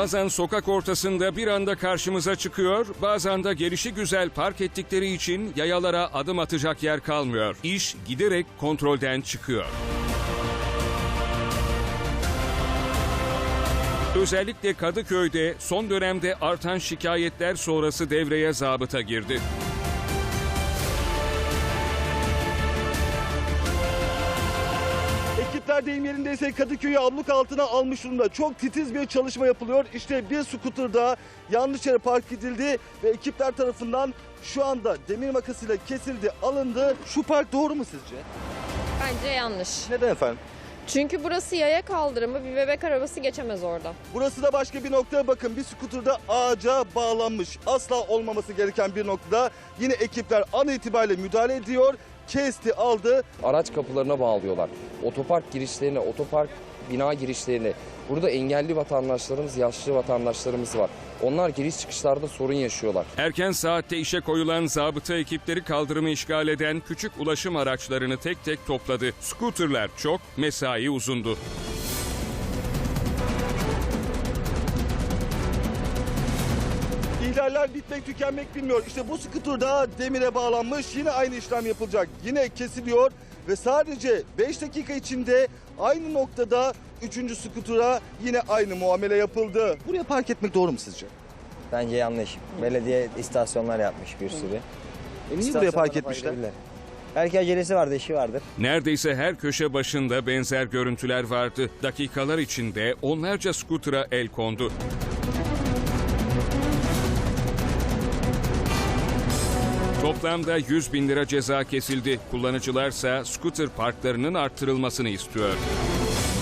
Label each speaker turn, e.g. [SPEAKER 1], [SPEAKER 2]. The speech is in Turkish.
[SPEAKER 1] Bazen sokak ortasında bir anda karşımıza çıkıyor, bazen de gelişigüzel park ettikleri için yayalara adım atacak yer kalmıyor. İş giderek kontrolden çıkıyor. Özellikle Kadıköy'de son dönemde artan şikayetler sonrası devreye zabıta girdi.
[SPEAKER 2] Ekipler deyim yerindeyse Kadıköy'ü abluk altına almış durumda. Çok titiz bir çalışma yapılıyor. İşte bir skuter daha yanlış yere park edildi ve ekipler tarafından şu anda demir makasıyla kesildi, alındı. Şu park doğru mu sizce?
[SPEAKER 3] Bence yanlış.
[SPEAKER 2] Neden efendim?
[SPEAKER 3] Çünkü burası yaya kaldırımı, bir bebek arabası geçemez orada.
[SPEAKER 2] Burası da başka bir nokta. Bakın bir skuter da ağaca bağlanmış. Asla olmaması gereken bir noktada. Yine ekipler an itibariyle müdahale ediyor. Kesti, aldı.
[SPEAKER 4] Araç kapılarına bağlıyorlar. Otopark girişlerini, otopark bina girişlerini. Burada engelli vatandaşlarımız, yaşlı vatandaşlarımız var. Onlar giriş çıkışlarda sorun yaşıyorlar.
[SPEAKER 1] Erken saatte işe koyulan zabıta ekipleri kaldırımı işgal eden küçük ulaşım araçlarını tek tek topladı. Scooter'lar çok, mesai uzundu.
[SPEAKER 2] İhlaller bitmek tükenmek bilmiyor. İşte bu skuter da demire bağlanmış. Yine aynı işlem yapılacak. Yine kesiliyor ve sadece 5 dakika içinde aynı noktada 3. skutura yine aynı muamele yapıldı. Buraya park etmek doğru mu sizce?
[SPEAKER 5] Bence yanlış. Belediye istasyonlar yapmış bir sürü.
[SPEAKER 2] Niye buraya park etmişler?
[SPEAKER 5] Belki acelesi vardı, işi vardır.
[SPEAKER 1] Neredeyse her köşe başında benzer görüntüler vardı. Dakikalar içinde onlarca scooter'a el kondu. Toplamda 100.000 lira ceza kesildi. Kullanıcılarsa scooter parklarının arttırılmasını istiyor.